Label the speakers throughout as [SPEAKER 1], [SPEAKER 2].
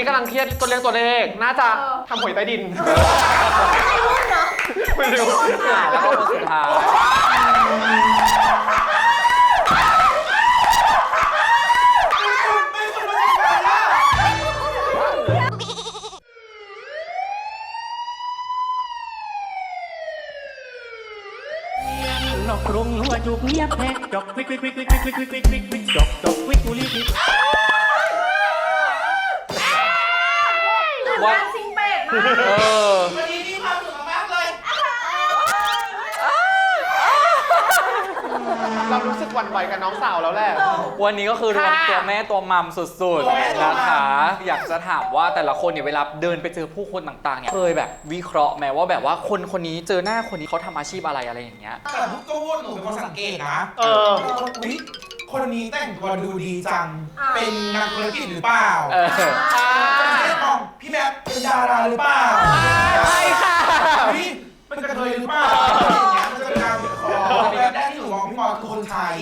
[SPEAKER 1] นี้กำลังเครียดตัวเลขน่าจะทำหวยใต้ดินไม่รู้
[SPEAKER 2] แล้วก็คนสุดท้าย
[SPEAKER 3] นอกกรุงหัวจุกเงียบแทกจอกวิกวิกวิกวิกวิกวิกวิกวิกวิกวิกจอกจอกวิกกุลีวิก
[SPEAKER 4] ว่าซิงเป็ดมาก
[SPEAKER 5] วันนี้มีความสุขมากเลย
[SPEAKER 1] เรารู้สึกหวั่นไหวกับน้องสาวแล้วแหละ
[SPEAKER 2] วันนี้ก็คือรวมตัวแม่ตัวมัมสุดๆนะคะอยากจะถามว่าแต่ละคนเนี่ยเวลาเดินไปเจอผู้คนต่างๆเนี่ยเคยแบบวิเคราะห์ไหมว่าแบบว่าคนนี้เจอหน้าคนนี้เขาทำอาชีพอะไรอย่างเงี้ย
[SPEAKER 5] แต่ทุกตัวหนูเป็นคนสังเกตนะคนนี้แต่งตัวดูดีจังเป็นนักธุรกิจหรือเปล่าพี่แม็กเป็นดาราหรือเปล่า
[SPEAKER 1] ใช่ค่ะ
[SPEAKER 5] พี่เป็นกระเทยหรือเปล่าอย่างเงี้ยมันจะเป็นการวิเคราะห์แบบแรกที่หนูมองพี่มอคือคนไทย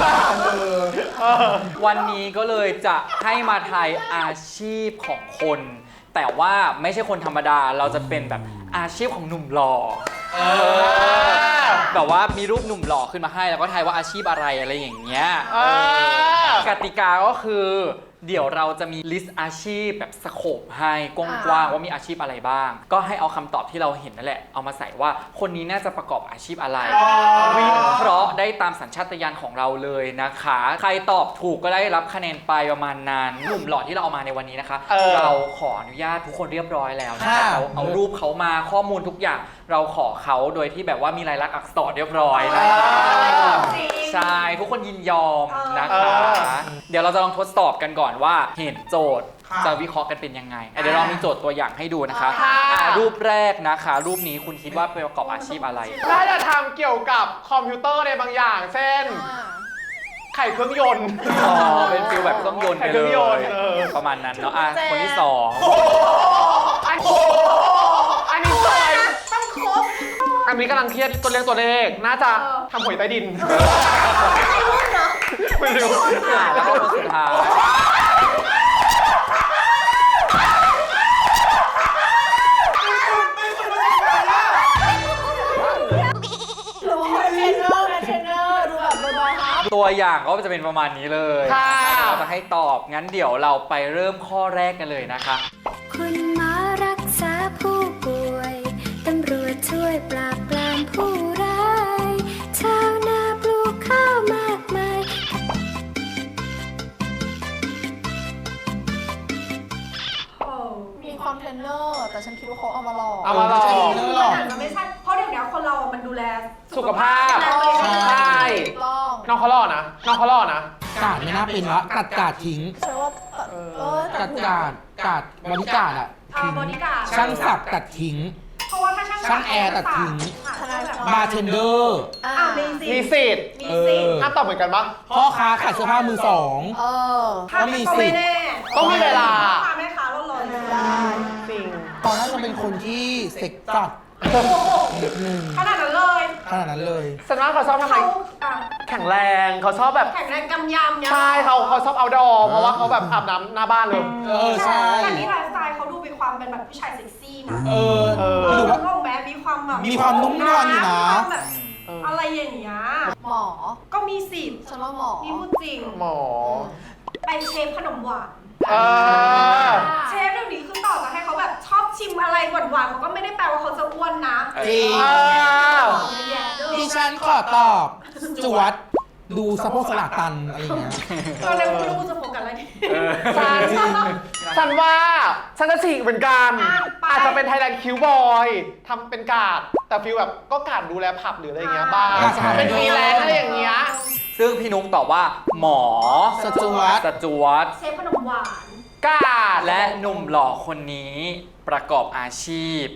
[SPEAKER 2] วันนี้ก็เลยจะให้มาทายอาชีพของคนแต่ว่าไม่ใช่คนธรรมดาเราจะเป็นแบบอาชีพของหนุ่มหล่อแบบว่ามีรูปหนุ่มหล่อขึ้นมาให้แล้วก็ทายว่าอาชีพอะไรอย่างเงี้ยกติกาก็คือเดี๋ยวเราจะมีลิสต์อาชีพแบบสโคปให้กว้างๆว่ามีอาชีพอะไรบ้างก็ให้เอาคำตอบที่เราเห็นนั่นแหละเอามาใส่ว่าคนนี้น่าจะประกอบอาชีพอะไรวิเคราะห์ได้ตามสัญชาตญาณของเราเลยนะคะใครตอบถูกก็ได้รับคะแนนไปประมาณนั้นหนุ่มหล่อที่เราเอามาในวันนี้นะคะเราขออนุญาตทุกคนเรียบร้อยแล้วนะคะเราเอารูปเขามาข้อมูลทุกอย่างเราขอเขาโดยที่แบบว่ามีลายลักษณ์อักษรเรียบร้อยนะคะใช่ทุกคนยินยอมนะคะเดี๋ยวเราจะลองทดสอบกันก่อนว่าเห็นโจทย์จะวิเคราะห์กันเป็นยังไงเดี๋ยวเรามีโจทย์ตัวอย่างให้ดูนะคะรูปแรกนะคะรูปนี้คุณคิดว่าประกอบอาชีพอะไร
[SPEAKER 1] น่าจะทำเกี่ยวกับคอมพิวเตอร์ในบางอย่างเช่นไข่เครื่องยนต์
[SPEAKER 2] เป็นฟิลแบบเครื่องยนต์ไปเลยประมาณนั้นเนาะคนที่สอง
[SPEAKER 1] อันนี้ซอยต้องครบอันนี้กำลังเครียดตัวเลขน่าจะทำหวยใต้ดินไม่รู้
[SPEAKER 2] แล้วก็คนสุดท้ายตัวอย่างก็จะเป็นประมาณนี้เลยเราจะให้ตอบงั้นเดี๋ยวเราไปเริ่มข้อแรกกันเลยนะคะ
[SPEAKER 6] คุณหมอรักษาผู้ป่วยตำรวจช่วยปราบปรามผู้ร้ายชาวนาปลูกข้าวมากมาย
[SPEAKER 4] มีความเทรนเนอร์แต่ฉันคิดว่าเขาเอามาหลอก
[SPEAKER 1] มันอา
[SPEAKER 4] จจะไม่ใช่เพราะเดี๋ยวนี้คนเรามันดูแล
[SPEAKER 1] สุขภาพใช่น้องเขาหล่อนะ
[SPEAKER 5] กาดไม่น่าเป็นละกาดทิ้ง
[SPEAKER 4] ใช่ว่าก
[SPEAKER 5] าดบริการอ่ะ
[SPEAKER 4] บริการ
[SPEAKER 5] ช่างสักตัดทิ้ง
[SPEAKER 4] เพราะว่าถ้า
[SPEAKER 5] ช่างแอร์ตัดทิ้งบาร์เทนเดอร์
[SPEAKER 1] มีสิทธิ์ถ้าตอบเหมือนกันปะ
[SPEAKER 5] พ่อค้าขายเสื้อผ้ามือสอง
[SPEAKER 4] ก็มีสิทธิ์
[SPEAKER 1] ต้องมีเวลา
[SPEAKER 4] แม่ค้าร้อนๆได้
[SPEAKER 1] จริง
[SPEAKER 5] ตอนนั้นจะเป็นคนที่เซ็กจัด
[SPEAKER 4] ขนาดนั้น
[SPEAKER 5] เลย
[SPEAKER 1] ฉันว่าเขาชอบทำอะไรแข็งแรงเขาชอบแบบ
[SPEAKER 4] แข็งแรงกำยำเนี่ย
[SPEAKER 1] ใช่เขาชอบเอาดอเพราะว่าเขาแบบอาบน้ำหน้าบ้านเลย
[SPEAKER 5] ใช่
[SPEAKER 4] แต่นี่ไลฟ์สไตล์เขาดูมีความเป็นแบบผู้ชายเซ็กซี่นะ
[SPEAKER 5] หรือว่า
[SPEAKER 4] มีความแบบ
[SPEAKER 5] มีความนุ่มนวลอยู่นะ
[SPEAKER 4] แบบอะไรอย่างเงี้ยหมอก็มีสิทธิ์ฉันว่าหมอนี่พูดจริง
[SPEAKER 1] หมอ
[SPEAKER 4] เป็นเชฟขนมหวานเชฟเดี๋ยวนี้คือต่อจากให้เขาแบบชอบชิมอะไรหวานๆเขาก็ไม่ได้แปลว่าเขาจะอ้วนนะ
[SPEAKER 5] จริงดิฉันขอตอบจวดดูสะโพกสลัดตันอะไรอย่างเงี้ย
[SPEAKER 4] ตอนแรกไม่รู้จะโฟกัสอะไรดี
[SPEAKER 1] ฉันว่าฉันจะฉีกเหมือนกันอาจจะเป็นไทยแลนด์คิวบอยทำเป็นกาดแต่ฟิลแบบก็กาดดูแลผับหรืออะไรเงี้ยบ้างเป็นฟรีแลนซ์อะไรอย่างเงี้ย
[SPEAKER 2] ซึ่งพี่นุ๊กตอบว่าหมอ
[SPEAKER 5] สจวต
[SPEAKER 4] เชฟขนมหวาน
[SPEAKER 1] กาด
[SPEAKER 2] และหนุ่มหล่อคนนี้ประกอบอาชีพ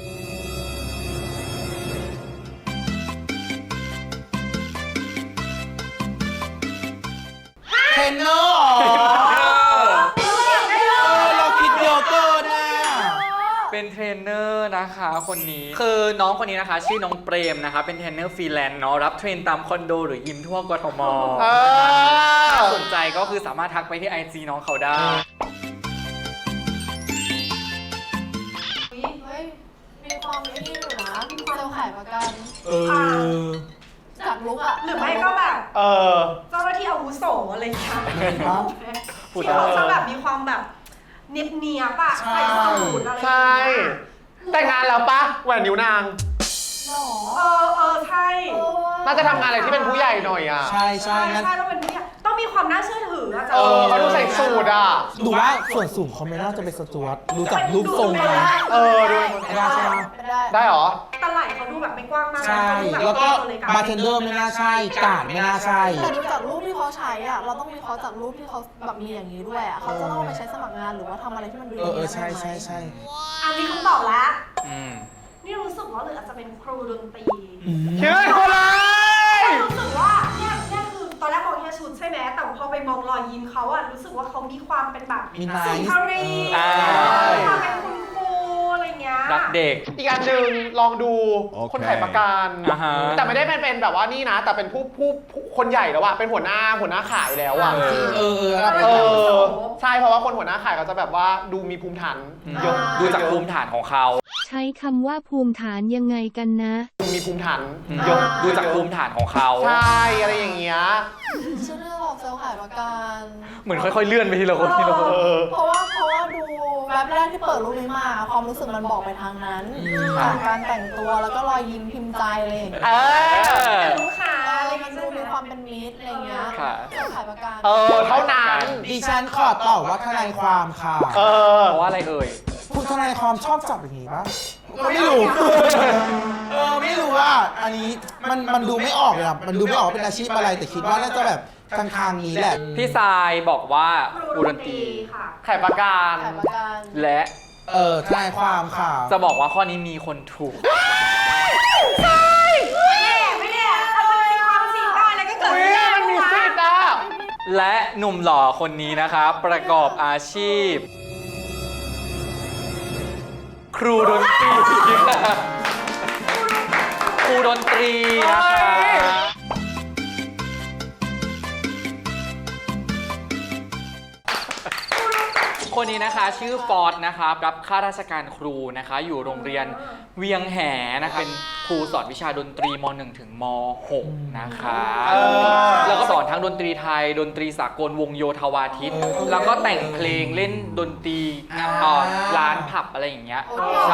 [SPEAKER 5] เทรนเนอร์เราคิดเยอะเกินนะ
[SPEAKER 2] เป็นเทรนเนอร์นะคะคนนี้คือน้องคนนี้นะคะชื่อน้องเปรมนะคะเป็นเทรนเนอร์ฟรีแลนซ์เนาะรับเทรนตามคอนโดหรือยิมทั่วกทมถ้าสนใจก็คือสามารถทักไปที่ IG น้องเขาได้
[SPEAKER 7] ายประกัน
[SPEAKER 5] เออ
[SPEAKER 7] จากลุกอะ
[SPEAKER 4] หรือไม่ก็แบบ
[SPEAKER 1] อ
[SPEAKER 4] เจ้าหน้าที่อาวุโสอะไรอย่างเงี้ย
[SPEAKER 2] พูด
[SPEAKER 4] ที่
[SPEAKER 2] ได้
[SPEAKER 4] เขาจะแบบมีความแบบเนียบๆอะใส่สูทอะไรอย่าง
[SPEAKER 1] ใช่
[SPEAKER 4] เงี้ย
[SPEAKER 1] แต่งงานแล้วปะแหวนนิ้วนาง
[SPEAKER 7] หรอ
[SPEAKER 4] ใช่
[SPEAKER 1] น่าจะทำงานอะไรที่เป็นผู้ใหญ่หน่อยอ่ะ
[SPEAKER 5] ใช่ใช่งั้น
[SPEAKER 4] ต้องเป็นผู้ใหญ่ต้องมีความน่าเชื่อถืออะจ๊ะ
[SPEAKER 1] เขาดูใส่สูทอ่ะ
[SPEAKER 5] ดูว่าส่วนสูงเขาไม่น่าจะเป็นสจวตดูจากรูปทรง
[SPEAKER 4] ไม่
[SPEAKER 5] นะ
[SPEAKER 4] ได้
[SPEAKER 1] ดู
[SPEAKER 5] ไม่ได้ใช่ไหม
[SPEAKER 7] ไม่ได้
[SPEAKER 1] ได้เหรอ
[SPEAKER 4] ตะไหล่เขาดูแบบไม่กว้างมาก
[SPEAKER 5] ใช่ แล้วก็บาร์เทนเดอร์ไม่น่าใช่ การ์ดไม่น่าใช่
[SPEAKER 7] แต่ดูจากรูปที่เขาใช้อะเราต้องวิเคราะห์จากรูปที่เขาแบบมีอย่างนี้ด้วยอะเขาจะต้องเอาไปใช้สมัครงานหรือว่าทำอะไรที่มันดู
[SPEAKER 5] ใช่ใช่ใช่
[SPEAKER 4] อันนี้คำตอบแล้ว
[SPEAKER 2] อืม
[SPEAKER 4] นี่รู้สึกว่าหรืออาจจะเป็นครูดนตรี
[SPEAKER 1] คิดว่าคนเลย
[SPEAKER 4] รู้สึกว่าเนี่ยคือตอนแรกมองแค่ชุดใช่ไหมแต่พอไปมองรอยยิ้มเขาอะรู้สึกว่าเขามีความเป็นแบบ
[SPEAKER 5] มีไนท์
[SPEAKER 4] สุนทรี
[SPEAKER 2] อ่า
[SPEAKER 4] มีความเป็นคุณครูอะไรเงี้ย
[SPEAKER 2] รักเด็ก
[SPEAKER 1] อีกอันหนึ่งลองดูคนขายประกัน
[SPEAKER 2] อ่าฮะ
[SPEAKER 1] แต่ไม่ได้เป็นแบบว่านี่นะ แต่เป็นผู้คนใหญ่แล้วอะเป็นหัวหน้าขายแล้วอะ ใช่เพราะว่าคนหัวหน้าขายเขาจะแบบว่าดูมีภูมิฐานเยอะ
[SPEAKER 2] ดูจากภูมิฐานของเขา
[SPEAKER 6] ใช้คำว่าภูมิฐานยังไงกันนะ
[SPEAKER 1] ดูมีภูมิฐานเยอะ
[SPEAKER 2] ดูจากภูมิฐานของเขา
[SPEAKER 1] ใช่อะไรอย่างเงี้ย
[SPEAKER 7] ชื่อเรื่องของเซลล์ขายประกัน
[SPEAKER 2] เหมือนค่อยๆเลื่อนไปทีละคนทีละคน
[SPEAKER 7] เพราะว่าดูแวบแรกที่เปิดรูปนี้มาความรู้สึกมันบอกไปทางนั้นการแต่งตัวแล้วก็รอยยิ้มพิมพ์ใจอะไรอย่างเงี้ย
[SPEAKER 4] ลูกค้าอะไร
[SPEAKER 7] มัน
[SPEAKER 4] เงี้ย
[SPEAKER 7] ดูมีความเป็นมิตรอะไรเงี้ย
[SPEAKER 2] ค่ะ
[SPEAKER 7] เซลล์ขายประกัน
[SPEAKER 1] เท่านั้น
[SPEAKER 5] ดิฉันขอตอบว่าทนายความค่ะ
[SPEAKER 2] เพราะว่าอะไรเอ่ย
[SPEAKER 5] คุณทนายความชอบจับอย่างนี้ปะไม่รู้ ไม่รู้ว่าอันนี้มันดูไม่ออกเลยอะมันดูไม่ออกเป็นอาชีพอะไร แต่คิดว่าน่าจะแบบทางนี้แหละ
[SPEAKER 2] พี่ทรายบอกว่า
[SPEAKER 4] ค
[SPEAKER 2] ครู
[SPEAKER 4] รู
[SPEAKER 2] ด
[SPEAKER 4] ด
[SPEAKER 2] น
[SPEAKER 4] น
[SPEAKER 2] ต
[SPEAKER 4] ต
[SPEAKER 2] รี
[SPEAKER 4] รีค่ะ
[SPEAKER 1] ขายประกัน
[SPEAKER 7] ขายประกัน
[SPEAKER 2] และ
[SPEAKER 5] ทนายความค่ะ
[SPEAKER 2] จะบอกว่าข้อนี้มีคนถูก
[SPEAKER 4] ไม่แน่มันมีความสิทธิ์ได้แล้วก็เกิด
[SPEAKER 1] อุ้ยมันมีสิทธิ์อ่ะ
[SPEAKER 2] และหนุ่มหล่อคนนี้นะครับ ประกอบอาชีพ ครูดนตรีครูดนตรีนะคะคนนี้นะคะชื่อฟอร์ดนะครับรับข้าราชการครูนะคะ อยู่โรงเรียนเวียงแหนะคะเป็นครูสอนวิชาดนตรีม .1 ถึงม .6 นะคะแล้วก็สอนทั้งดนตรีไทย ดนตรีสากลวงโยธวาทิตแล้วก็แต่งเพลงเล่นดนตรีร้านผับอะไรอย่างเงี้ยใช่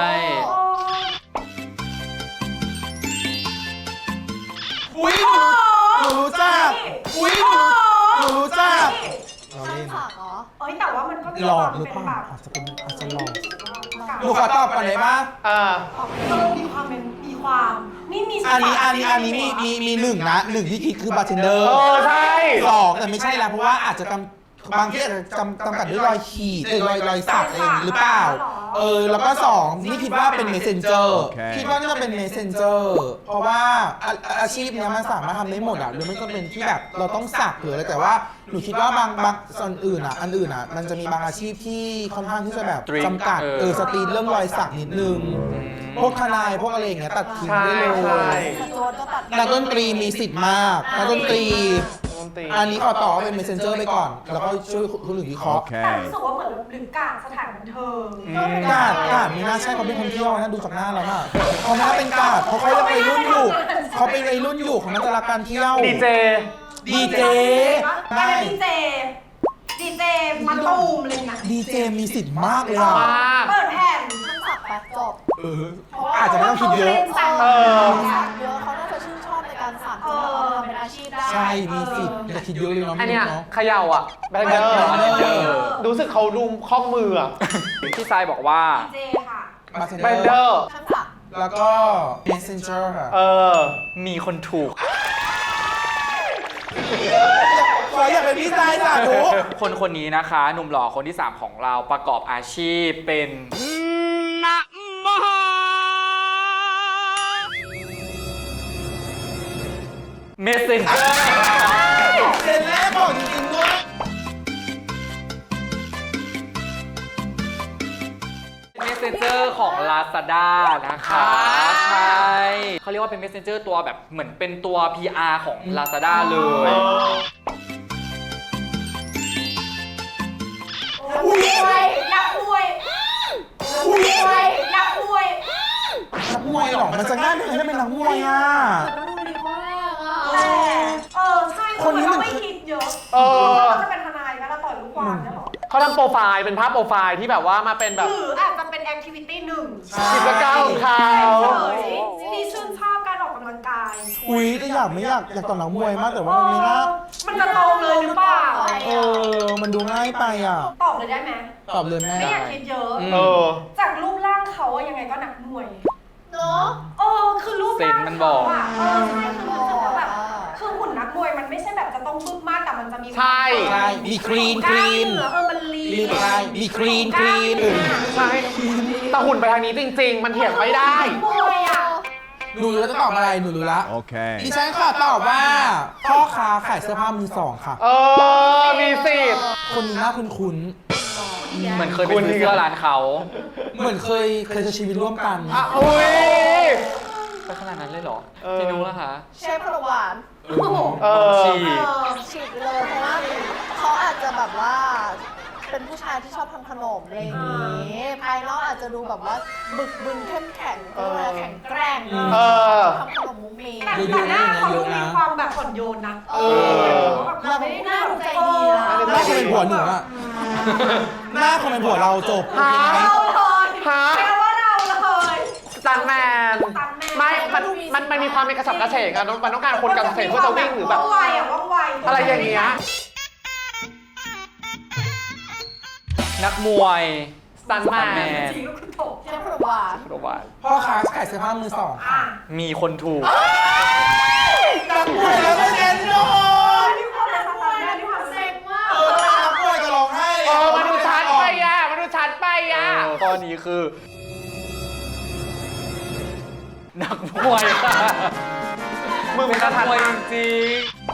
[SPEAKER 5] อุ้ยหนูรู้จักอุ้ยหนูรู้จักเรา
[SPEAKER 7] ช่าง
[SPEAKER 5] เล่น
[SPEAKER 7] ศักดิ์เหรอ
[SPEAKER 4] แต่ว่ามันก็มี
[SPEAKER 5] หล
[SPEAKER 4] ค
[SPEAKER 5] อ
[SPEAKER 4] วาก ม
[SPEAKER 5] หรือ
[SPEAKER 4] เป็น
[SPEAKER 5] เปล่า
[SPEAKER 4] แบบ
[SPEAKER 5] อาจจะหลอกหนูขอตอบก่อนได้ปะ
[SPEAKER 4] มีความเป็นมีความนี่มี
[SPEAKER 5] อันนี้มีหนึ่งนะหนึ่งที่คิดคือบาร์เทนเดอร์
[SPEAKER 1] ใช่
[SPEAKER 5] สองแต่ไม่ใช่แล้วเพราะว่าอาจจะบางที่อาจจะจำกัดด้วยรอยขีดรอยสักอะไรอย่างนี้หรือเปล่า แล้วก็สองนี่คิดว่าเป็น messenger คิดว่าน่าจะเป็น messenger เพราะว่าอาชีพเนี้ยมันสามารถทำได้หมดอ่ะหรือไม่ก็เป็นที่แบบเราต้องสักหรืออะไรแต่ว่าหนูคิดว่าบางส่วนอื่นอ่ะอันอื่นอ่ะมันจะมีบางอาชีพที่ค่อนข้างที่จะแบบจำกัดสตรีนเรื่องรอยสักนิดนึงพวกทนายพวกอะไรอย่างเงี้ยตัดทิ้งได้เลย
[SPEAKER 7] สจวตก็ตัด
[SPEAKER 5] นักดนตรีมีสิทธิ์มากนักดนตรี อันนี้ขอต่อว่าเป็น messenger ไปก่อน แล้วก็ช่วยคนอื่นวิเคราะห์
[SPEAKER 4] แต่รู้สึกว่าเหมือนหรือกลางสถานบันเทิง
[SPEAKER 5] กาดไม่น่าใช่เขาเป็นคนเที่ยวนะดูจากหน้าแล้วอะเขาไม่น่าเป็นกาดเพราะเขายังวัยรุ่นอยู่เขาเป็นวัยรุ่นอยู่เขาน่าจะรักการเที่ยว
[SPEAKER 1] ดีเจ
[SPEAKER 4] อะไรดีเจมาตูมอะไรเงี้ย
[SPEAKER 5] ดีเจมีสิทธิ์มากเลยอะ
[SPEAKER 1] มาก
[SPEAKER 4] เปิดแผ่น
[SPEAKER 7] ช่างศักดิ์ไปจบ
[SPEAKER 5] อาจจะไม่ต้องคิดเยอะ
[SPEAKER 7] สักเยอะเขาน่าจะชื่นชอบในการสักเขาทำเป็นอาชีพได้
[SPEAKER 5] ใช่มีสิทธิ์จะคิดเยอะเลยเนาะ
[SPEAKER 1] อันเนี้ย
[SPEAKER 5] เนาะ
[SPEAKER 1] เขย่าอ่ะแบนเดอร์รู้สึกเขาดูข้อมืออ่ะ
[SPEAKER 2] พี่ทรายบอกว่า
[SPEAKER 4] ดีเจค่ะ
[SPEAKER 5] บาร์เทน
[SPEAKER 1] แบน
[SPEAKER 5] เด
[SPEAKER 1] เด
[SPEAKER 5] อ
[SPEAKER 1] อ
[SPEAKER 5] ร์
[SPEAKER 1] ร์
[SPEAKER 7] ช่างศักดิ์
[SPEAKER 5] แล้วก็ messenger ค่ะ
[SPEAKER 2] มีคนถูก
[SPEAKER 5] ขออยากเป็นพี่ชายสาธุ
[SPEAKER 2] คนนี้นะคะ หนุ่มหล่อคนที่ 3 ของเราประกอบอาชีพเป็นเมสเซนเจอร์
[SPEAKER 5] เซ็นแรกบอกจริงๆด้วย
[SPEAKER 2] เมสเซนเจอร์ของ Lazada นะคะใช่เขาเรียกว่าเป็นเมสเซนเจอร์ตัวแบบเหมือนเป็นตัว PR ของ Lazada เลย
[SPEAKER 4] อยากคุย
[SPEAKER 5] อุ้ย
[SPEAKER 4] อยากคุย
[SPEAKER 5] นักมวยเหรอมันจะง่ายไหมวยอ่ะ
[SPEAKER 7] ก็ดูดีมากอ่ะ
[SPEAKER 4] แต่ใช่คนนี้มันไม่คิดเยอะว่าจะเป็นทนายไหมเราต่อยลูกความได้หรอ
[SPEAKER 1] เขาทำโปรไฟล์เป็นภาพโปรไฟล์ที่แบบว่ามาเป็นแบบ
[SPEAKER 4] หรืออาจจะเป็นแอคทิวิตี้หนึ่ง
[SPEAKER 1] กิจกรรมของเขา
[SPEAKER 4] ที่ชื่นชอบการออกกำลังกาย
[SPEAKER 5] อุ้ยแต่อยากต่อนักมวยมากแต่ว่ามันไม่น่า
[SPEAKER 4] มันจะตรงเลยหรือเปล่า
[SPEAKER 5] มันดูง่ายไปอ่ะ
[SPEAKER 4] ตอบเลยได้ไหม
[SPEAKER 5] ตอบเลยแม่
[SPEAKER 4] ไม่อยากคิดเยอะ จากรูปร่างเขายังไงก็นักมวย
[SPEAKER 7] เนาะ
[SPEAKER 4] คือรูป
[SPEAKER 2] เซน
[SPEAKER 4] ร่าง
[SPEAKER 2] มันบ
[SPEAKER 4] เขา
[SPEAKER 2] อก
[SPEAKER 4] อะใช่คือรู้สึกว่าแบบคือหุ่นนักมวยมันไม่ใช่แบบจะต้องบึ้มมากแต่มันจะมี
[SPEAKER 1] ใช่
[SPEAKER 5] ใช่มีคลีน
[SPEAKER 4] กล้ามเนื้อมันลี
[SPEAKER 5] ลีนไลน์มีคลีน
[SPEAKER 1] ใช่แต่หุ่นไปทางนี้จริง ๆ มันเถียงไม่ได้
[SPEAKER 4] มวยอะ
[SPEAKER 5] หนูรู้แล้วจะตอบอะไรหนูรู้ละ
[SPEAKER 8] Okay.
[SPEAKER 5] ดิฉันค่ะตอบว่าพ่อค้าขายเสื้อผ้ามือสองค่ะ
[SPEAKER 1] มีสิทธิ์
[SPEAKER 5] คนนี้น่าคุ้น
[SPEAKER 2] เหมือนเคยไปซื้อเสื้อร้านเขา
[SPEAKER 5] ๆเหมือนเคยใช้ชีวิตร่วมกัน
[SPEAKER 1] อุ้ย
[SPEAKER 2] ไปขนาดนั้นเลยเหรอ พี่นุ้งล่ะคะ
[SPEAKER 7] เชฟขนมหวาน
[SPEAKER 2] ฉีก
[SPEAKER 7] ฉีกเลยเพราะว่าเขาอาจจะแบบว่าเป็นผู้ชายที่ชอบทำขนมอะไรอย่างนี้ภายนอกอาจจะดูแบบว่าบึกบึนเข้มแข็งแข็งแกร่งทำขนมมุ้งมิ้ง
[SPEAKER 4] แต่หน้าเขาดูมีความแบบอ่อนโยนนะเราไม่ได้หน้าดูใจดีนะ
[SPEAKER 5] หน้าคนเป็นผัวหนูอะหน้าคนเป็นผัวเราจบ
[SPEAKER 1] ฮะ
[SPEAKER 4] เราเลย
[SPEAKER 1] ฮะ
[SPEAKER 4] แปลว่าเราเลย
[SPEAKER 1] สตันแมน ไม่มันมีความเป็นกระสับกระเฉงอะมันต้องการคนกระสับกระเฉงเพื่อจะวิ่งหรือแบบ
[SPEAKER 4] ว่องไวอะว่องไว
[SPEAKER 1] อะไรอย่างเงี้ย
[SPEAKER 2] นักมวย
[SPEAKER 1] สตันแมน
[SPEAKER 4] จริงก็คือตก
[SPEAKER 7] เชฟขนมหวาน
[SPEAKER 2] โรบาท
[SPEAKER 5] พ่อค้าขายเสื้อผ้ามือสอง
[SPEAKER 4] อ่ะ
[SPEAKER 2] มีคนถูก
[SPEAKER 5] นักมวยแล้วก็เน้นโดน
[SPEAKER 4] มีความเป็นสไตล์แม่ที่ความเซ็งมาก
[SPEAKER 5] นักมวยจะร้องไห้
[SPEAKER 1] มันดูชัดไปอะมันดูชัดไปอะ
[SPEAKER 2] ข้อนี้คือ นักมวยค่ะ
[SPEAKER 1] มึง
[SPEAKER 2] เป็
[SPEAKER 1] เป็น น
[SPEAKER 2] นั
[SPEAKER 1] นั
[SPEAKER 2] ก
[SPEAKER 1] ก
[SPEAKER 2] ม
[SPEAKER 1] ม
[SPEAKER 2] ว
[SPEAKER 1] วย ย
[SPEAKER 2] จริง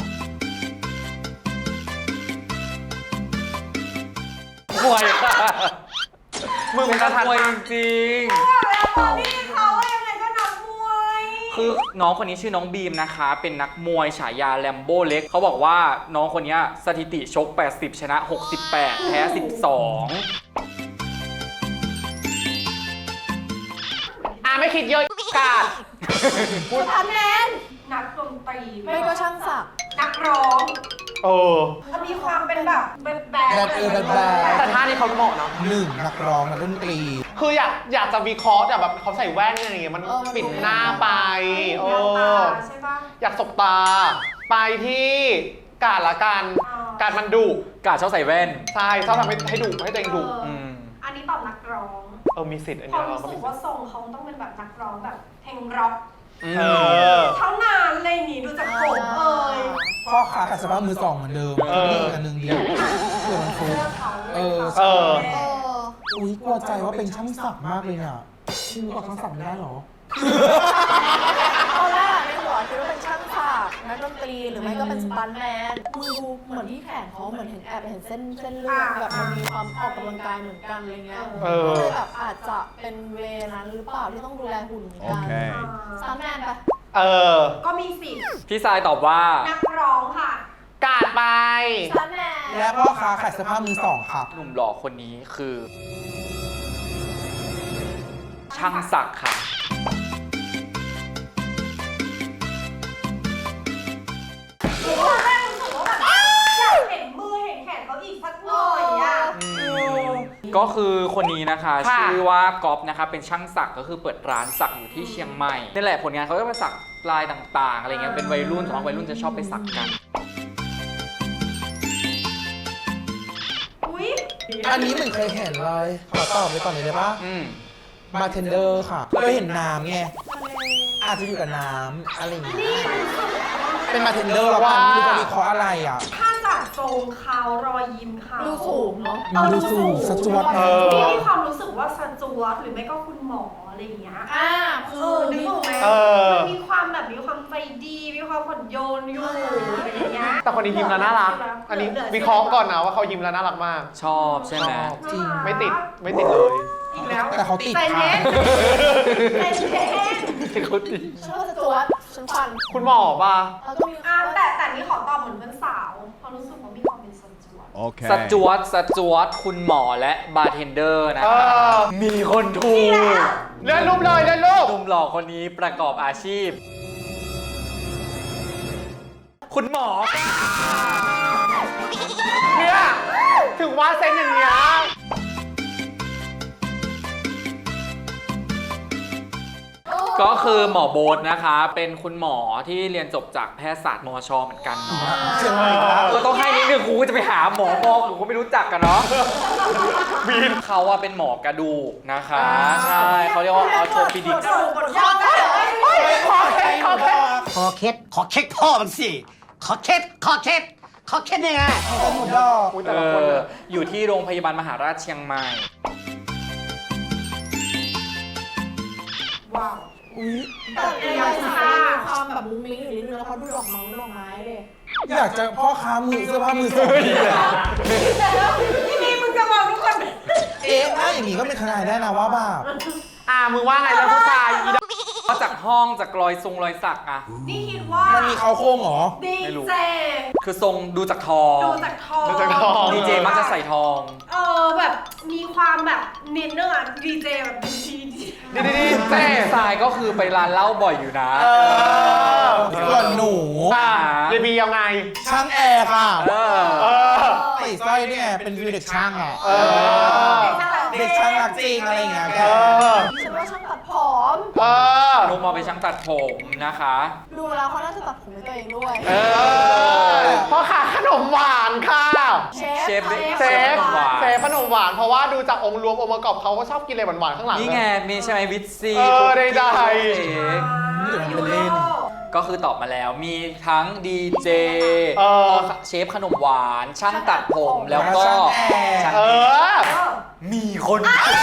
[SPEAKER 2] ๆมวยค่ะ
[SPEAKER 1] มึง
[SPEAKER 2] เป็
[SPEAKER 1] เป็น น
[SPEAKER 2] นั
[SPEAKER 1] นั
[SPEAKER 2] ก
[SPEAKER 1] ก
[SPEAKER 2] ม
[SPEAKER 1] ม
[SPEAKER 2] ว
[SPEAKER 1] วย ย
[SPEAKER 2] จริง
[SPEAKER 4] แล้วตอนนี้เขายังไงก็นักมวย
[SPEAKER 2] คือน้องคนนี้ชื่อน้องบีมนะคะ เป็นนักมวยฉายาแลมโบ้เล็ก เขาบอกว่าน้องคนนี้สถิติชก 80 ชนะ 68 แพ้ 12
[SPEAKER 1] ไม่คิดเยอะกาด
[SPEAKER 7] สตาร์แมน
[SPEAKER 4] นักดนตรี
[SPEAKER 7] ไม่ก็ช่างศักดิ์
[SPEAKER 4] นักร้อง
[SPEAKER 1] เออ
[SPEAKER 4] เขามีความเป็นแบบแบด
[SPEAKER 1] แต่ท่านี้เขาเหมาะเนาะ
[SPEAKER 5] หนึ่งนักร้องนักดนตรี
[SPEAKER 1] คืออยากจะวิเคราะห์แต่แบบเขาใส่แว่นอะไรอย่างเงี้ยมันปิดหน้าไป
[SPEAKER 4] ใช่ปะ
[SPEAKER 1] อยากสบตา ไปที่กาดละกัน กาดมันดุ
[SPEAKER 2] กาดชอบใส่แว่น
[SPEAKER 1] ใช่ชอบทำให้ดุให้ตัวเองดุ
[SPEAKER 2] ม
[SPEAKER 4] อันนี้ตอบนักร้อง
[SPEAKER 1] มีสิทธิ์อัน
[SPEAKER 4] เพ
[SPEAKER 1] เนี้
[SPEAKER 4] ราะ
[SPEAKER 1] ยเรา
[SPEAKER 4] รู้
[SPEAKER 1] ก็
[SPEAKER 4] สึ
[SPEAKER 1] มี
[SPEAKER 4] ก
[SPEAKER 1] สิ
[SPEAKER 4] ว่า
[SPEAKER 1] ทธิ์
[SPEAKER 4] ทรงเขาต้องเป็นแบบนักร้องแบบเพลงร็อก
[SPEAKER 1] เออ
[SPEAKER 4] เท่านั้นเลยนี่ดูจากผมเอ่ย
[SPEAKER 5] พ่อค้าขายเสื้อผ้ามือสองเหมือนเดิมนี่อีกอันหนึ่งเดียวเพื่อมันฟุก
[SPEAKER 4] เสื้อเขา
[SPEAKER 5] เออ
[SPEAKER 7] เออ
[SPEAKER 5] อุ้ยกลัวใจว่าเป็นช่างศักดิ์มากเลยเนี่ยชื่อว่าช่างศักดิ์ไม่ได้หรอ
[SPEAKER 7] ตอนแรกในหัวคิดว่าเป็นช่างศักดิ์นักดนตรีหรือไม่ก็เป็นสตันท์แมนมือดูเหมือนที่แขนเขาเหมือนเห็นแอบเห็นเส้นเลือดแบบมันมีความออกกำลังกายเหมือนกันอะไรเงี้ยก็เลยแบบอาจจะเป็นเวนั้นหรือเปล่าที่ต้องดูแลหุ่นเหมือนกัน
[SPEAKER 8] Okay.
[SPEAKER 7] สตันท์แมนไป
[SPEAKER 1] เออ
[SPEAKER 4] ก็มีสิทธิ์
[SPEAKER 2] พี่ทรายตอบว่า
[SPEAKER 4] นักร้องค่ะ
[SPEAKER 1] กาดไป
[SPEAKER 7] สตันท์แมน
[SPEAKER 5] และพ่อค้าขายเสื้อผ้ามือสองค่ะ
[SPEAKER 2] หนุ่มหล่อคนนี้คือ ช่างศักดิ์ค่ะ
[SPEAKER 4] ตอนแรกรู้สึกว่าแบบอยากเห็นมือเห็นแขนเขาอีกสักหน่อยอ่ะ
[SPEAKER 2] ก็คือคนนี้นะคะ
[SPEAKER 1] ค่ะ
[SPEAKER 2] ชื่อว่าก๊อฟนะคะเป็นช่างสักก็คือเปิดร้านสักอยู่ที่เชียงใหม่นี่แหละผลงานเขาก็ไปสักลายต่างๆอะไรเงี้ยเป็นวัยรุ่นสำหรับวัยรุ่นจะชอบไปสักกัน
[SPEAKER 4] อุ้ย
[SPEAKER 5] อันนี้เหมือนเคยเห็นเลย ขอตอบไปก่อนเลยได้ปะ
[SPEAKER 2] อืม
[SPEAKER 5] บาร์เทนเดอร์ค่ะเคยเห็นน้ำไง อาจจะอยู่กับน้ำอะไรอย่างเงี้ยเป็นบาร์เทนเดอร์แล้วกันไม่รู้จะวิเคราะห์อะไรอ่ะ
[SPEAKER 4] ถ้าจากทรงเขารอยยิ้มเขา
[SPEAKER 7] ดูสูงเนาะ
[SPEAKER 5] มันดูสูงสจวต
[SPEAKER 4] พี่มีความรู้สึกว่าสจวตหรือไม่ก็คุณหมออะไรอย่างเงี้ย
[SPEAKER 7] คือ
[SPEAKER 4] นึกออกไหม
[SPEAKER 1] เออ
[SPEAKER 4] มันมีความแบบมีความใจดี มีความผ่อนโยนอยู่อะไรอย่างเงี้ย
[SPEAKER 1] แต่คนนี้ยิ้มแล้วน่ารัก อันนี้วิเคราะห์ก่อนนะว่าเขายิ้มแล้วน่ารักมาก
[SPEAKER 2] ชอบใช่ไหม
[SPEAKER 5] จริง
[SPEAKER 1] ไม่ติดเลย
[SPEAKER 4] อีกแล้ว
[SPEAKER 5] แต่เขาติด
[SPEAKER 4] ใจ
[SPEAKER 5] ค่ะ
[SPEAKER 4] เย็นใจเย็น
[SPEAKER 2] เขาดี
[SPEAKER 7] ฉันว่าจะจวดฉันฟัน
[SPEAKER 1] คุณหมอป่ะ
[SPEAKER 7] แล้วก็มี
[SPEAKER 4] แต่นี่ขอตอบเหมือนเป็นสาวเพราะรู้สึกว่ามีความเป็นสจวต
[SPEAKER 2] สจวตคุณหมอและบาร์เทนเดอร์นะคะมีคนถูก
[SPEAKER 1] เลื่อนรูปเลยเลื่อนรูป
[SPEAKER 2] หนุ่มหล่อคนนี้ประกอบอาชีพ คุณหมอ
[SPEAKER 1] เนี่ยถึงว่าเซ็นอย่างเงี้ย
[SPEAKER 2] ก็คือหมอโบ๊ทนะคะ เป็นคุณหมอที่เรียนจบจากแพทยศาสตร์มชเหมือนกันเนาะ
[SPEAKER 5] เชียงใหม่ครับ
[SPEAKER 2] ก็ต้องให้นิดนึงครูจะไปหาหมอบอกหนูก็ไม่รู้จักกันเนาะบีนเขาว่าเป็นหมอกระดูกนะคะ ใช่เขาเรียกว่าออโทปิดิก
[SPEAKER 1] ขอเคส
[SPEAKER 8] ขอเคสพ่อมันสิ ขอเคสยังไง
[SPEAKER 5] เป็นหมดดอก
[SPEAKER 2] อยู่ที่โรงพยาบาลมหาราชเชียงใหม่
[SPEAKER 4] ว้าว
[SPEAKER 7] อุ้ยแต่ในลายสักมีความแบบมุ้งมิ้งอยู่นิดนึงแล้วเขาดูดอกไม้เลย
[SPEAKER 5] อยากจะพ่อค้ามือเสื้อผ้ามือสอง
[SPEAKER 4] ที่นี่มึงจะบอกทุกคน
[SPEAKER 5] ถ้าอย่างนี้ก็เป็นทนายได้นะว่าแบบ
[SPEAKER 1] มึงว่าไงแล้วผู้ชายอีด
[SPEAKER 2] ก็จากห้องจากรอยสักอะ
[SPEAKER 4] นี่คิดว่า
[SPEAKER 5] มันมีเขาโค้งเหรอ
[SPEAKER 4] ดี
[SPEAKER 2] ไม่รู้
[SPEAKER 4] เจ
[SPEAKER 2] คือทรงดูจากทอง
[SPEAKER 4] ดูจากทอง
[SPEAKER 2] ดีเจมักจะใส่ทอง
[SPEAKER 4] แบบมีความแบบนิดนึงอ่ะดีเจแบบดี
[SPEAKER 1] ดีเต้
[SPEAKER 2] ทรายก็คือไปร้านเหล้าบ่อยอยู่นะ
[SPEAKER 5] ส่วนหนู
[SPEAKER 1] เรบียังไง
[SPEAKER 5] ช่างแอร์ค่ะ
[SPEAKER 1] เออ
[SPEAKER 5] ใส่สร้อยเนี่ยเป็นวิวเด็กช่างอ่ะ
[SPEAKER 4] ๆ
[SPEAKER 5] เด็กช่างรักจริงอะไรอย่างเงี้ยแก
[SPEAKER 7] ฉันว่าช่างตัดผม
[SPEAKER 2] นุกมาไปนช่างตัดผมนะคะ
[SPEAKER 7] ดูแล้วเขาน่าจะตัดผมให้ตัวเองด้วย
[SPEAKER 1] พ่อค้าขนมหวานค่ะ
[SPEAKER 2] เชฟ
[SPEAKER 1] เซฟ
[SPEAKER 2] หวาน
[SPEAKER 1] เซฟขนมหวานเพราะว่าดูจากองค์รวมองค์ประกอบเขาก็ชอบกินอะไรหวานๆข้างหลัง
[SPEAKER 2] นี่ไงมีใช่ไหมวิตซี
[SPEAKER 1] ได้
[SPEAKER 4] ยูโร
[SPEAKER 2] ก็คือตอบมาแล้วมีทั้งดีเจเชฟขนมหวาน ช่างตัดผมแล้วก็ช่าง มีคน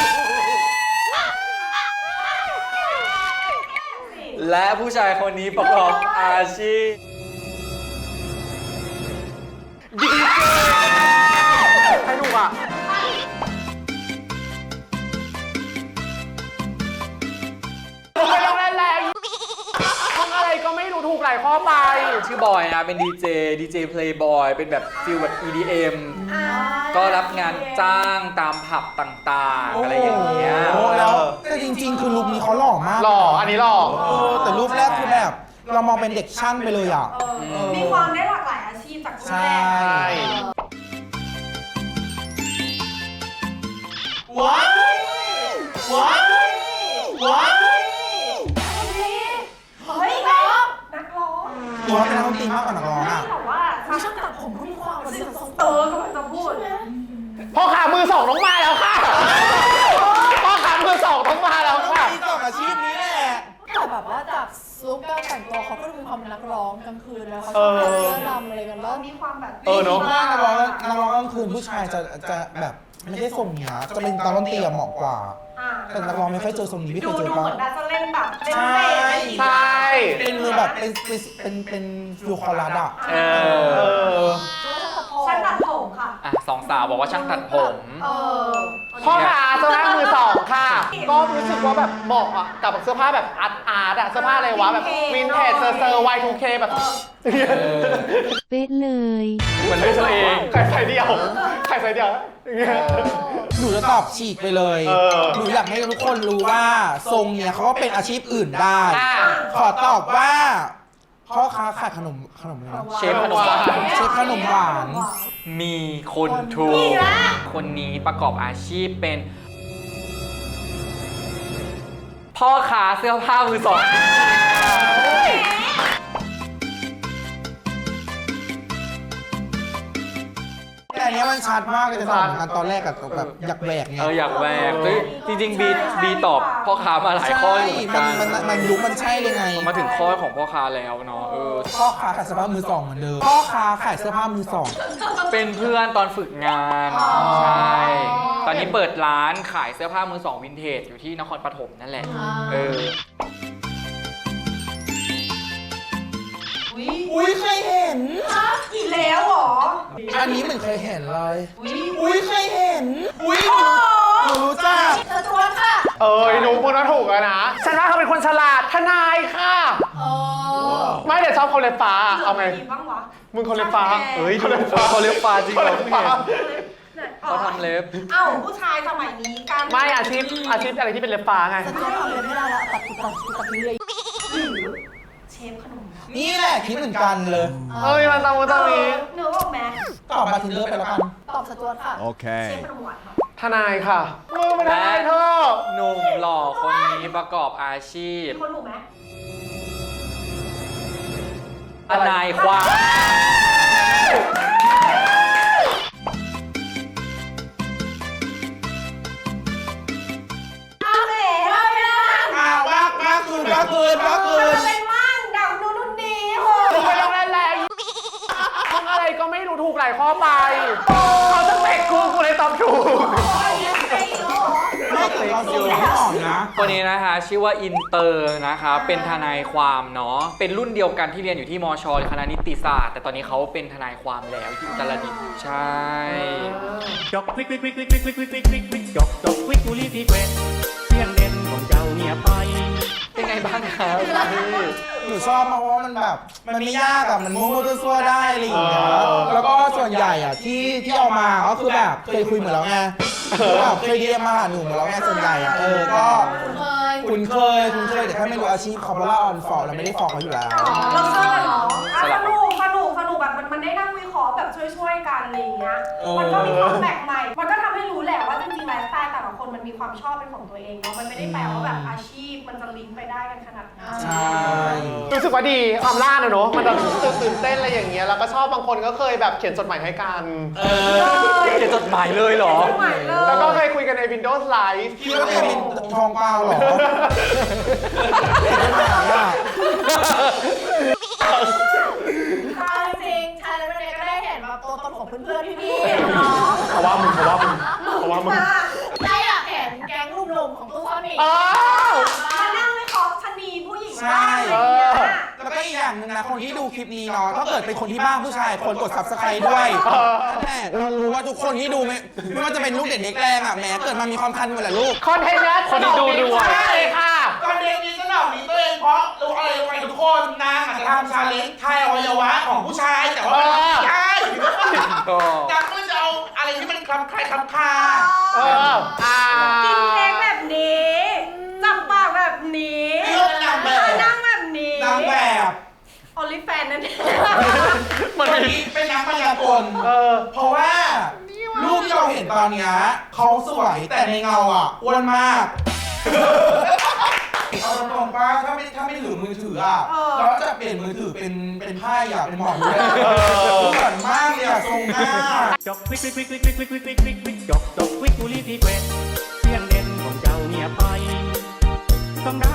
[SPEAKER 2] และผู้ชายคนนี้ประกอบอาชีพ
[SPEAKER 1] ดีเจให้ดูอ่ะไม่ต้องแรงๆห้องอะไรก็ไม่รู้ถูกหลายข้อไป
[SPEAKER 2] ชื่อบอยนะเป็นดีเจเพลย์บอยเป็นแบบฟิลแบบ EDM ก็รับงานจ้างตามผับต่างๆ อะไรอย่างเงี้ย
[SPEAKER 5] โอ้แล้วแต่จริงๆ คือลุคนี้เขาหล่อมาก
[SPEAKER 1] หล่ออันนี้หล่อ
[SPEAKER 5] แต่รูปแรกคือแบบ เรามองเป็นเด็กช่างไปเลยอ่ะ
[SPEAKER 4] มีความได้หลากหลายอาชีพจากคุณ
[SPEAKER 5] ใช่
[SPEAKER 4] แม่
[SPEAKER 5] ว้ายว้ายว้าย
[SPEAKER 4] เฮ้ยนักร้อง
[SPEAKER 5] หรือว่าเป็นนักดนตรีมากกว่านักร้องอ่ะ
[SPEAKER 4] แต่ว่า
[SPEAKER 7] ช่างตัดผมก็มีความแบบทรง
[SPEAKER 4] กำลังจะพูด
[SPEAKER 1] พ่อขามือสองต้องมาแล้วค่ะ พ่อขามือสองต้องมาแล้วค่ะ
[SPEAKER 5] มีสองอาชีพนี้แหละ
[SPEAKER 7] แต่แบบว่าจากลุคการแต่งตัวเขาก็ดูมีความเป็นนักร้องกลางคืนแล้วเขาชอบแต่งเสื้อดำอะไรกันแล้ว
[SPEAKER 4] มีความแบบ
[SPEAKER 1] เนอะ
[SPEAKER 5] ว่านักร้องกลางคืนผู้ชายจะแบบไม่ได้ทรงเนี้ยจะเป็นตาดนตรีอะเหมาะกว่า แต่นักร้องไม่ค่อยเจอทรงนี้ไม่เค
[SPEAKER 4] ดู
[SPEAKER 5] ยเจอ
[SPEAKER 4] เห
[SPEAKER 5] ปะ
[SPEAKER 4] มือนน่าจะเล่นแบบเล่น
[SPEAKER 5] ใช่
[SPEAKER 4] เบสอะไรอย่างเงี้ย
[SPEAKER 1] ใช่
[SPEAKER 5] เป็นมือแบบเป็นฟิวคอรัสอ่ะ
[SPEAKER 2] เอ
[SPEAKER 1] เอ
[SPEAKER 2] อ
[SPEAKER 1] อ
[SPEAKER 4] ช่างตัดผมค่ะ
[SPEAKER 2] สองสาวบอกว่าช่างตัดผม
[SPEAKER 1] พ่อขาเสื้อผ้ามือสองค่ะ ก็รู้สึกว่าแบบเหมาะอ่ะกับเสื้อผ้าแบบอาร์ตอะเสื้อผ้าอะไรวะแบบวินเทจเซอร์ Y2K แบบ
[SPEAKER 6] เป๊ะเลย
[SPEAKER 2] เหมือนเลือกตัวเอง
[SPEAKER 1] ใครใส่เดียวใครใส่เดียวอย่างเงี้ย
[SPEAKER 5] หนูจะตอบฉีกไปเลย หนูอยากให้ทุกคนรู้ว่าทรงเนี้ยเขาก็เป็นอาชีพอื่นได้ ขอตอบว่าพ่อค้าขายขนมอะไรนะ
[SPEAKER 2] เชฟขนมหวาน
[SPEAKER 5] เชฟขนมหวาน
[SPEAKER 2] มีคนถูกคนนี้ประกอบอาชีพเป็น พ่อค้าเสื้อผ้ามือสอง
[SPEAKER 5] แต่อันเนี้ยมันชัดมากเลยจะตอบเหมือนกันตอนแรกอะแบบอยากแหวกไง
[SPEAKER 2] อยากแหวกเฮ้ยจริงๆบีตอบพ่อค้ามาหลายข้ออยู่เหมือนกัน
[SPEAKER 5] มันยุคมันใช่เลยไง
[SPEAKER 2] มาถึงข้อของพ่อค้าแล้วเนาะ
[SPEAKER 5] พ่อค้าขายเสื้อผ้ามือสองเหมือนเดิมพ่อค้าขายเสื้อผ้ามือสอง
[SPEAKER 2] เป็นเพื่อนตอนฝึกงานใช่ ตอนนี้เปิดร้านขายเสื้อผ้ามือสองวินเทจอยู่ที่นครปฐมนั่นแหละ
[SPEAKER 5] อุ้ยเคยเห็น
[SPEAKER 4] อีกแล้วเหรอ
[SPEAKER 5] อันนี้เหมือนเคยเห็นเลยอุ้ยเคยเห็นอุ้ยหนูรู้จัก
[SPEAKER 7] เธอชวนค่ะ
[SPEAKER 1] หนูพูดว่าถูกแล้วนะ ฉันว่าเขาเป็นคนฉลาดทนายค่ะ ไม่แต่ชอบเขาเล็บฟ้าเอาไง
[SPEAKER 4] มีบ้างวะ
[SPEAKER 1] มึงเขาเล็บฟ้าเอ้ยเขาเล็บฟ้า
[SPEAKER 2] เขาเล็บฟ้าจริงเหรอ
[SPEAKER 1] เขาเล็บฟ้า
[SPEAKER 2] เขาทำเล็บ
[SPEAKER 4] เอ้าผู้ชายสมัยนี้การ
[SPEAKER 1] ไม่อาชีพอะไรที่เป็นเล็บฟ้าไง
[SPEAKER 7] สจวตทำเลยไม่ได้ละตัดทิ้งเลย
[SPEAKER 4] หรือเชฟขนมหวาน
[SPEAKER 5] นี่แหละคิดเหมือนกันเลย
[SPEAKER 1] เอ้ยมันตรงนี้
[SPEAKER 4] เนื้อออกไหม
[SPEAKER 5] ตอบมาทินเดอร์ไปแล้วกัน
[SPEAKER 7] ตอบสจวตค่ะ
[SPEAKER 4] เชฟขนมหวานค่ะ
[SPEAKER 1] ทนายค่ะมึงเป็นทนายเธอ
[SPEAKER 2] หนุ่มหล่อคนนี้ประกอบอาชีพ
[SPEAKER 4] มีคนถูกไหม
[SPEAKER 2] ทนายความ
[SPEAKER 4] อ้าวแหมเราไม่ได้
[SPEAKER 5] ว่าคืน
[SPEAKER 4] มันจะเป็นมั่งดักนู่นนี่โห
[SPEAKER 1] มึงไม่ต้องเล่นแรงมึงอะไรก็ไม่รู้ถูกหลายข้อไปเขาจะเตะกูเลยตอบถูก
[SPEAKER 5] ไม่แต่เราดูไม่ออกนะ
[SPEAKER 2] คนนี้นะคะชื่อว่าอินเตอร์นะคะ เป็นทนายความเนาะเป็นรุ่นเดียวกันที่เรียนอยู่ที่มชคณะนิติศาสตร์แต่ตอนนี้เขาเป็นทนายความแล้วที่อุตรดิตถ์ใช่
[SPEAKER 3] จอกวิกวิกวิกวิกวิกวิกวิกวิกวิกวิกจอกจอกวิกกุลีพี่แกวนเสียงเด่นของเจ้าเงียบไป
[SPEAKER 2] เป็นไงบ้างครับ
[SPEAKER 5] หนูชอบมากเพราะว่ามันแบบ มันไม่ยากอะมันมั่วๆซั่วๆได้อะไรอย่างเงี้ย แล้วก็ส่วนใหญ่อะที่เอามาก็คือแบบเคยคุยเหมือนแล้วไงคือแบบเคยเรียนมาหาหนูเหมือนแล้วไงส่วนใหญ่อะก็ คุ้นเคยแต่แค่ไม่รู้อาชีพเขาเพราะว่าออนฟอร์เราไม่ได้ฟอร์เขาอยู่แล้ว
[SPEAKER 4] เราชอบเหรอสนุกแบบมันได้นั่งวิเคราะห์แบบช่วยกันอะไรอย่างเงี้ย มันก็มีความแปลกใหม่ มันก็ทำให้รู้แหละว่าจริงๆไลฟ์สไตล์แต่ละคนมันมีความชอบเป็นของตัวเองเนาะ มันไม่ได้แปลว่าแบบอาชีพมันจะลิงก์ไปได้กันขนาดนั้น
[SPEAKER 5] ใช่
[SPEAKER 1] รู้สึกว่าดีความล่าเนอะมันแบบตื่นเต้นอะไรอย่างเงี้ยแล้วก็ชอบบางคนก็เคยแบบเขียนจดหมายให้กัน
[SPEAKER 2] เขียนจดหมายเลยเหรอ
[SPEAKER 4] ใหม่เลย
[SPEAKER 1] แล้วก็เคยคุยกันใน Windows Live
[SPEAKER 5] คิดว่าแกเป็นทองเปล่าเหรอเป็นปัญหาอะ
[SPEAKER 7] จริงๆชายและวันนี้ก็ได้เห็นแบบตัวตนของเพื่อนๆพี่ๆน้อง
[SPEAKER 1] เพราะว่ามึง
[SPEAKER 7] ได้อยากเห็นแก๊งหนุ่มๆของตู้ซ่อนหมี
[SPEAKER 4] มานั่งวิเคราะห์ชนีผู้หญิงบ้างอะไรอย่างเงี้ย
[SPEAKER 5] แล้วก็อีกอย่างหนึงนะคนที่ดูคลิปนี้เนาะถ้าเกิดเป็นคนที่บ้านผู้ชายคนกด subscribe ด้วยนั่นแหละเรารู้ว่าทุกคนที่ดูไม่ว่าจะเป็นลูกเด็กเด็กแรงอ่ะแหมเกิดมามีความคันหมดแหละลูก
[SPEAKER 1] คอนเทนต์เนี้ย
[SPEAKER 2] คนที่ดูด้วย
[SPEAKER 1] ใช่ค่ะ
[SPEAKER 5] ตอนเด็กนี้สนองนี้ตัวเองเพราะรู้อะไรรู้ไหมทุกคนนางอาจจะทำชาเลนจ์ทายอวัยวะของผู้ชายแต่ว่ามันไม่ใช่นางก็เลยจะเอาอะไรที่มันคลำคลายคลำคา
[SPEAKER 4] กินเค้กแบบนี้ จับปากแบบนี้
[SPEAKER 5] นี่ก็เป็นนางแบบ
[SPEAKER 4] นั่งแบบนี้
[SPEAKER 5] นางแบบ
[SPEAKER 4] ออลิแฟนนั่นเอง
[SPEAKER 5] มันเป็นนักพยากลเพราะว่ารูปที่เราเห็นตอนเนี้ยเขาสวยแต่ในเงาอ่ะอ้วนมากเอาตรงๆป่ะถ้าไม่ถือมือถืออ่ะเราจะเปลี่ยนมือถือเป็นไพ่อ่ะเป็นหมอนเลยเหมือนมากเลยอ่ะทรงหน้า
[SPEAKER 3] จอกวิกวิกวิกวิกวิกวิกวิกวิกวิกวิกจอกจอกวิกกุลีพี่แกวนเสียงเด่นของเจ้าเงียบไปต้องได้